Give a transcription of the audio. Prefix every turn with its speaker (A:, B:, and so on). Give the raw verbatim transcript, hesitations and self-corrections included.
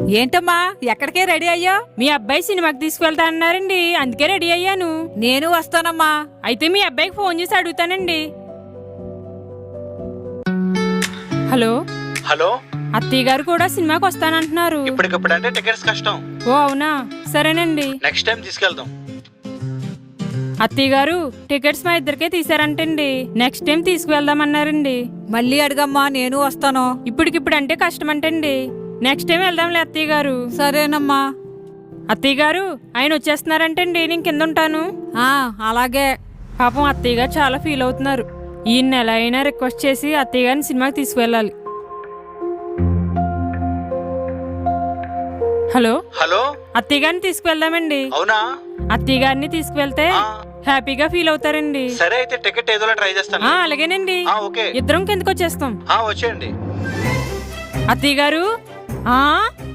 A: ఏంటమ్మా ఎక్కడికే రెడీ అయ్యా?
B: మీ అబ్బాయి సినిమాకి తీసుకువెళ్తా అన్నారండి, అందుకే రెడీ అయ్యాను.
A: నేను వస్తానమ్మా.
B: అయితే మీ అబ్బాయికి ఫోన్ చేసి అడుగుతానండి. హలో
C: హలో,
B: అత్తయ్య గారు కూడా సినిమాకి వస్తానంటున్నారు.
C: ఇప్పటికప్పుడు అంటే టికెట్స్ కష్టం.
B: ఓ అవునా, సరేనండి.
C: నెక్స్ట్ టైం తీసుకెళ్దాం.
B: అత్తయ్య గారు టికెట్స్ మా ఇద్దరికే తీసారంటండి, నెక్స్ట్ టైం తీసుకువెళ్దామన్నారండి.
A: మళ్ళీ అడగమ్మా, నేను వస్తాను.
B: ఇప్పటికిప్పుడు అంటే కష్టం అంటండి, నెక్స్ట్ టైం వెళ్దాంలే అత్తయ్య గారు.
A: సరేనమ్మా.
B: అత్తయ్య గారు ఆయన వచ్చేస్తున్నారంటండి, నేను కింద ఉంటాను.
A: ఆ అలాగే.
B: పాపం అత్తయ్య గారు చాలా ఫీల్ అవుతున్నారు. ఈ నెల అయినా రిక్వెస్ట్ చేసి అత్తయ్య గారిని సినిమాకి తీసుకువెళ్ళాలి. హలో
C: హలో,
B: అత్తయ్య గారిని తీసుకువెళ్దామండి.
C: అవునా?
B: అత్తయ్య గారిని తీసుకువెళ్తే
C: ఆ,
B: హ్యాపీగా ఫీల్ అవుతారండి.
C: సరే అయితే టికెట్ ఏదోలా ట్రై చేస్తాను.
B: ఆ అలాగేనండి,
C: ఆ, ఓకే.
B: ఇద్దరం కిందకు వచ్చేస్తాం.
C: ఆ, వచ్చేయండి.
B: అత్తయ్య గారు ఆ